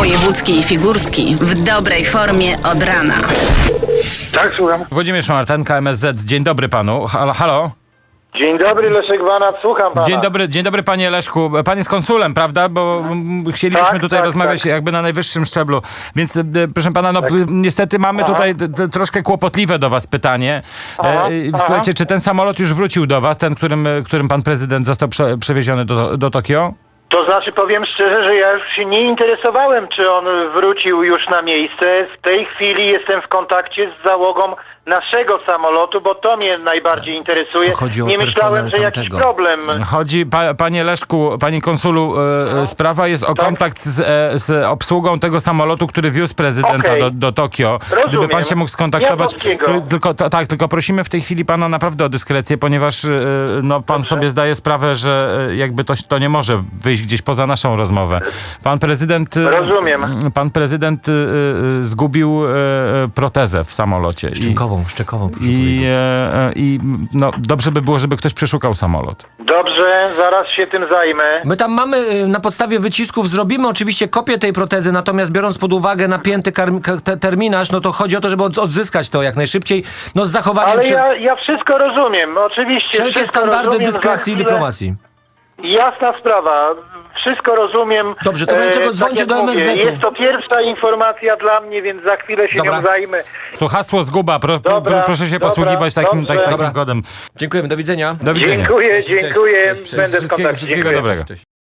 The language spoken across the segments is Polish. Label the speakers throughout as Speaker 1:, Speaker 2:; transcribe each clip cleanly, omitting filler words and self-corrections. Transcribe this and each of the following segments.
Speaker 1: Wojewódzki i Figurski w dobrej formie od rana.
Speaker 2: Tak, słucham.
Speaker 3: Włodzimierz Martenka, MSZ. Dzień dobry panu. Halo?
Speaker 2: Dzień dobry, Leszek Wanat, słucham pana.
Speaker 3: Dzień dobry panie Leszku. Pan jest konsulem, prawda? Bo chcielibyśmy tutaj rozmawiać jakby na najwyższym szczeblu. Więc proszę pana, niestety mamy tutaj troszkę kłopotliwe do was pytanie. Słuchajcie, czy ten samolot już wrócił do was, ten, którym pan prezydent został przewieziony do Tokio?
Speaker 2: To znaczy, powiem szczerze, że ja już się nie interesowałem, czy on wrócił już na miejsce. W tej chwili jestem w kontakcie z załogą naszego samolotu, bo to mnie najbardziej interesuje. Nie myślałem, że jakiś problem.
Speaker 3: Chodzi, panie Leszku, panie konsulu, sprawa jest o kontakt z obsługą tego samolotu, który wiózł prezydenta do Tokio.
Speaker 2: Rozumiem.
Speaker 3: Gdyby pan się mógł skontaktować. Tylko prosimy w tej chwili pana naprawdę o dyskrecję, ponieważ pan sobie zdaje sprawę, że jakby to nie może wyjść gdzieś poza naszą rozmowę. Pan prezydent.
Speaker 2: Rozumiem.
Speaker 3: Pan prezydent zgubił protezę w samolocie.
Speaker 4: Szczekową.
Speaker 3: I dobrze by było, żeby ktoś przeszukał samolot.
Speaker 2: Dobrze, zaraz się tym zajmę.
Speaker 4: My tam mamy, na podstawie wycisków zrobimy oczywiście kopię tej protezy, natomiast biorąc pod uwagę napięty terminarz, no to chodzi o to, żeby odzyskać to jak najszybciej, z zachowaniem...
Speaker 2: Ale ja wszystko rozumiem, oczywiście.
Speaker 4: Wszelkie standardy dyskrecji i dyplomacji.
Speaker 2: Jasna sprawa. Wszystko rozumiem.
Speaker 4: Dobrze, to czego dzwońcie do MSZ-u.
Speaker 2: Jest to pierwsza informacja dla mnie, więc za chwilę się nią zajmę.
Speaker 3: To hasło zguba. Proszę się posługiwać takim kodem.
Speaker 4: Dziękujemy, do widzenia.
Speaker 3: Do widzenia.
Speaker 2: Dziękuję. Będę w kontakcie.
Speaker 3: Wszystkiego dobrego.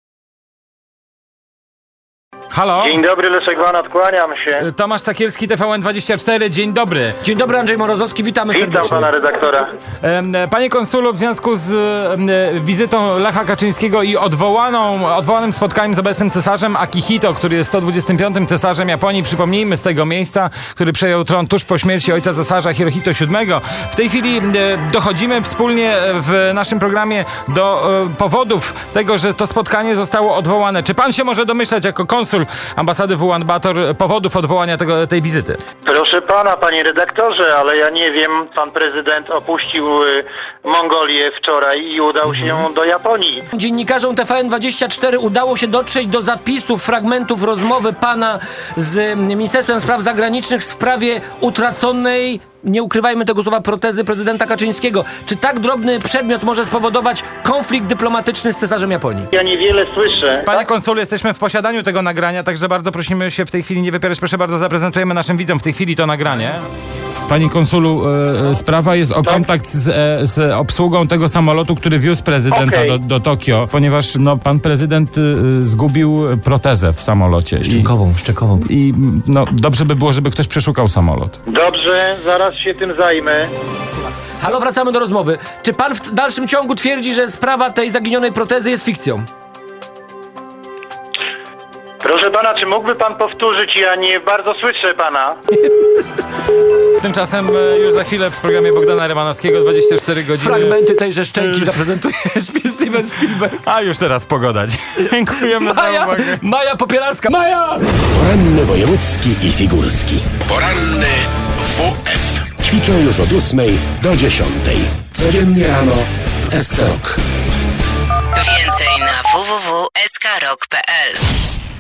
Speaker 3: Halo?
Speaker 2: Dzień dobry, Leszek Wanat, kłaniam się.
Speaker 3: Tomasz Sakielski, TVN24, dzień dobry.
Speaker 4: Dzień dobry, Andrzej Morozowski, witamy serdecznie.
Speaker 2: Witam pana redaktora.
Speaker 3: Panie konsulu, w związku z wizytą Lecha Kaczyńskiego i odwołanym spotkaniem z obecnym cesarzem Akihito, który jest 125. cesarzem Japonii, przypomnijmy, z tego miejsca, który przejął tron tuż po śmierci ojca cesarza Hirohito VII. W tej chwili dochodzimy wspólnie w naszym programie do powodów tego, że to spotkanie zostało odwołane. Czy pan się może domyślać jako konsul ambasady w Ulaanbaatar powodów odwołania tej wizyty?
Speaker 2: Proszę pana, panie redaktorze, ale ja nie wiem, pan prezydent opuścił Mongolię wczoraj i udał się do Japonii.
Speaker 4: Dziennikarzom TVN24 udało się dotrzeć do zapisów, fragmentów rozmowy pana z Ministerstwem Spraw Zagranicznych w sprawie utraconej, nie ukrywajmy tego słowa, protezy prezydenta Kaczyńskiego. Czy tak drobny przedmiot może spowodować konflikt dyplomatyczny z cesarzem Japonii?
Speaker 2: Ja niewiele słyszę.
Speaker 3: Panie konsulu, jesteśmy w posiadaniu tego nagrania, także bardzo prosimy się w tej chwili nie wypierać. Proszę bardzo, zaprezentujemy naszym widzom w tej chwili to nagranie. Panie konsulu, sprawa jest o kontakt z obsługą tego samolotu, który wiózł prezydenta do Tokio, ponieważ pan prezydent zgubił protezę w samolocie.
Speaker 4: Szczekową.
Speaker 3: I dobrze by było, żeby ktoś przeszukał samolot.
Speaker 2: Dobrze, zaraz się tym zajmę.
Speaker 4: Halo, wracamy do rozmowy. Czy pan w dalszym ciągu twierdzi, że sprawa tej zaginionej protezy jest fikcją?
Speaker 2: Proszę pana, czy mógłby pan powtórzyć? Ja nie bardzo słyszę pana.
Speaker 3: Tymczasem już za chwilę w programie Bogdana Rymanowskiego 24 godziny.
Speaker 4: Fragmenty tejże szczęki zaprezentuje Steven Spielberg.
Speaker 3: A już teraz pogoda. Dziękujemy za uwagę.
Speaker 4: Maja Popielarska.
Speaker 5: Poranny wojewódzki i figurski. Poranny WF. Ćwiczą już od 8 do 10. Codziennie rano w SC Rock.
Speaker 1: Więcej na www.skrok.pl.